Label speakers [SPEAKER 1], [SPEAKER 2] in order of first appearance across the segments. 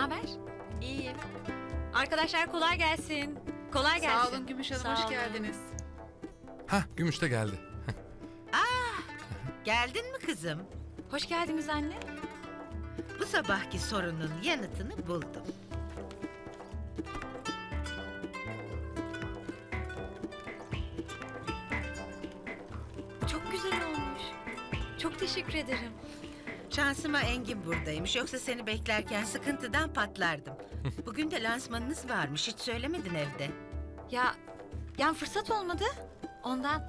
[SPEAKER 1] haber? İyiyim. Arkadaşlar kolay gelsin. Kolay gelsin.
[SPEAKER 2] Sağ olun Gümüş Hanım,
[SPEAKER 1] Sağ
[SPEAKER 2] hoş
[SPEAKER 1] olun.
[SPEAKER 2] geldiniz.
[SPEAKER 3] Hah, Gümüş de geldi.
[SPEAKER 4] Geldin mi kızım?
[SPEAKER 1] Hoş geldiniz anne.
[SPEAKER 4] Bu sabahki sorunun yanıtını buldum.
[SPEAKER 1] Çok güzel olmuş. Çok teşekkür ederim.
[SPEAKER 4] Şansıma Engin buradaymış. Yoksa seni beklerken sıkıntıdan patlardım. Bugün de lansmanınız varmış. Hiç söylemedin evde.
[SPEAKER 1] Ya, yani fırsat olmadı. Ondan.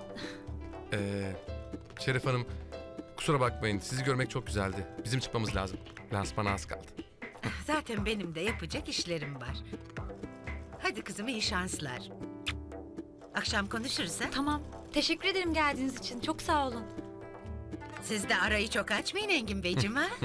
[SPEAKER 3] Şeref Hanım, kusura bakmayın. Sizi görmek çok güzeldi. Bizim çıkmamız lazım. Lansmana az kaldı.
[SPEAKER 4] Zaten benim de yapacak işlerim var. Hadi kızım, iyi şanslar. Akşam konuşuruz ha?
[SPEAKER 1] Tamam. Teşekkür ederim geldiğiniz için. Çok sağ olun.
[SPEAKER 4] Siz de arayı çok açmayın Engin Beyciğim ha?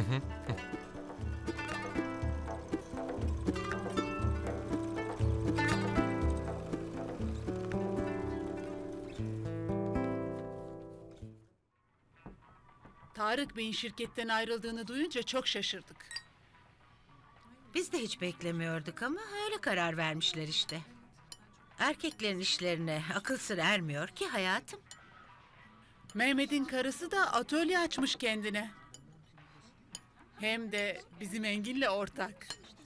[SPEAKER 2] Tarık Bey'in şirketten ayrıldığını duyunca çok şaşırdık.
[SPEAKER 4] Biz de hiç beklemiyorduk ama öyle karar vermişler işte. Erkeklerin işlerine akıl sır ermiyor ki hayatım.
[SPEAKER 2] Mehmet'in karısı da atölye açmış kendine. Hem de bizim Engin'le ortak.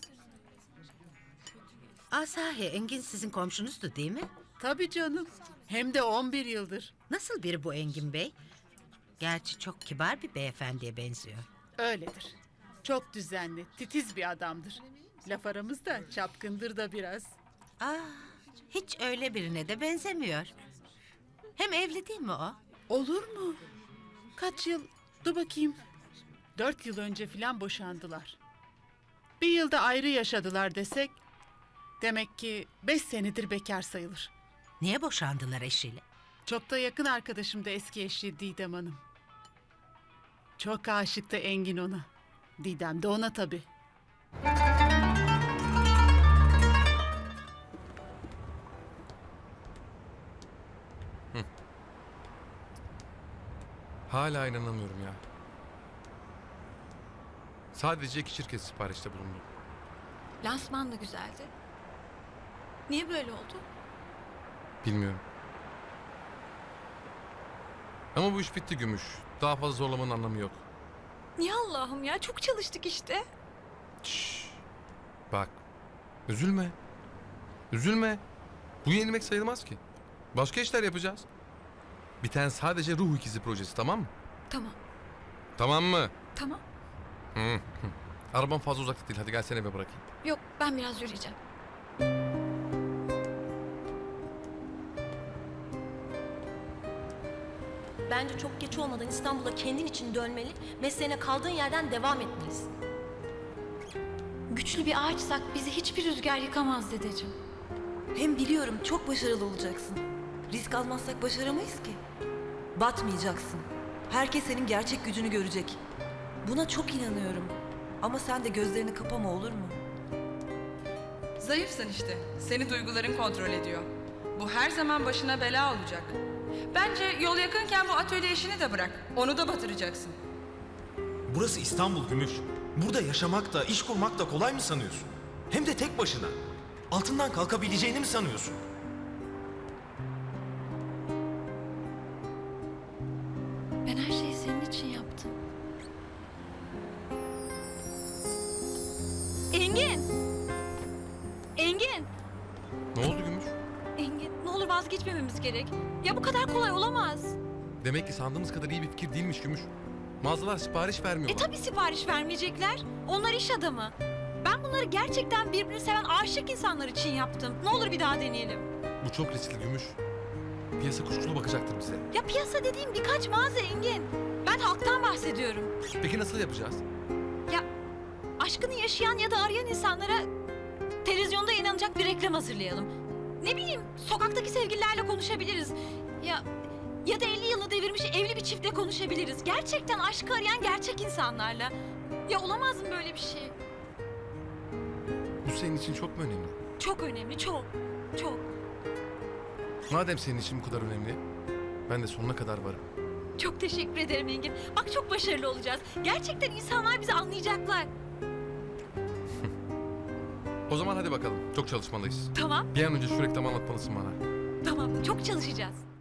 [SPEAKER 4] Sahi Engin sizin komşunuzdu değil mi?
[SPEAKER 2] Tabii canım. Hem de 11 yıldır.
[SPEAKER 4] Nasıl biri bu Engin Bey? Gerçi çok kibar bir beyefendiye benziyor.
[SPEAKER 2] Öyledir. Çok düzenli, titiz bir adamdır. Laf aramızda çapkındır da biraz.
[SPEAKER 4] Hiç öyle birine de benzemiyor. Hem evli değil mi o?
[SPEAKER 2] Olur mu? Kaç yıl? Dur bakayım. 4 yıl önce filan boşandılar. Bir yılda ayrı yaşadılar desek... Demek ki 5 senedir bekar sayılır.
[SPEAKER 4] Niye boşandılar eşiyle?
[SPEAKER 2] Çok da yakın arkadaşım da eski eşi Didem Hanım. Çok aşıktı Engin ona. Didem de ona tabii.
[SPEAKER 3] Hala inanamıyorum ya. Sadece 2 şirket siparişte bulundu.
[SPEAKER 1] Lansman da güzeldi. Niye böyle oldu?
[SPEAKER 3] Bilmiyorum. Ama bu iş bitti Gümüş. Daha fazla zorlamanın anlamı yok.
[SPEAKER 1] Niye Allah'ım ya? Çok çalıştık işte.
[SPEAKER 3] Şşş. Bak. Üzülme. Üzülme. Bu yenilmek sayılmaz ki. Başka işler yapacağız. Biten sadece Ruh İkizi projesi, tamam mı?
[SPEAKER 1] Tamam.
[SPEAKER 3] Tamam mı?
[SPEAKER 1] Tamam.
[SPEAKER 3] Hı. Arabam fazla uzakta değil. Hadi gel seni eve bırakayım.
[SPEAKER 1] Yok, ben biraz yürüyeceğim.
[SPEAKER 5] Bence çok geç olmadan İstanbul'a kendin için dönmeli, mesleğine kaldığın yerden devam etmelisin.
[SPEAKER 1] Güçlü bir ağaçsak bizi hiçbir rüzgar yıkamaz dedeciğim.
[SPEAKER 6] Hem biliyorum çok başarılı olacaksın. Risk almazsak başaramayız ki. Batmayacaksın. Herkes senin gerçek gücünü görecek. Buna çok inanıyorum. Ama sen de gözlerini kapama, olur mu?
[SPEAKER 7] Zayıfsın işte. Seni duyguların kontrol ediyor. Bu her zaman başına bela olacak. Bence yol yakınken bu atölye işini de bırak. Onu da batıracaksın.
[SPEAKER 8] Burası İstanbul Gümüş. Burada yaşamak da, iş kurmak da kolay mı sanıyorsun? Hem de tek başına. Altından kalkabileceğini mi sanıyorsun?
[SPEAKER 1] Ben her şeyi senin için yaptım. Engin! Engin!
[SPEAKER 3] Ne oldu Gümüş?
[SPEAKER 1] Engin, ne olur vazgeçmememiz gerek. Ya bu kadar kolay olamaz.
[SPEAKER 3] Demek ki sandığımız kadar iyi bir fikir değilmiş Gümüş. Mağazalar sipariş vermiyorlar.
[SPEAKER 1] Tabii sipariş vermeyecekler. Onlar iş adamı. Ben bunları gerçekten birbirini seven aşık insanlar için yaptım. Ne olur bir daha deneyelim.
[SPEAKER 3] Bu çok riskli Gümüş. Piyasa kuşkulu bakacaktır bize.
[SPEAKER 1] Ya piyasa dediğim birkaç mağaza Engin. Ben halktan bahsediyorum.
[SPEAKER 3] Peki nasıl yapacağız?
[SPEAKER 1] Ya aşkını yaşayan ya da arayan insanlara televizyonda inanacak bir reklam hazırlayalım. Ne bileyim, sokaktaki sevgililerle konuşabiliriz. Ya da 50 yılı devirmiş evli bir çiftle konuşabiliriz. Gerçekten aşkı arayan gerçek insanlarla. Ya olamaz mı böyle bir şey?
[SPEAKER 3] Bu senin için çok mu önemli?
[SPEAKER 1] Çok önemli, çok. Çok.
[SPEAKER 3] Madem senin için bu kadar önemli, ben de sonuna kadar varım.
[SPEAKER 1] Çok teşekkür ederim Engin. Bak çok başarılı olacağız. Gerçekten insanlar bizi anlayacaklar.
[SPEAKER 3] O zaman hadi bakalım. Çok çalışmalıyız.
[SPEAKER 1] Tamam,
[SPEAKER 3] Bir an önce şu reklamı anlatmalısın bana.
[SPEAKER 1] tamam. Çok çalışacağız.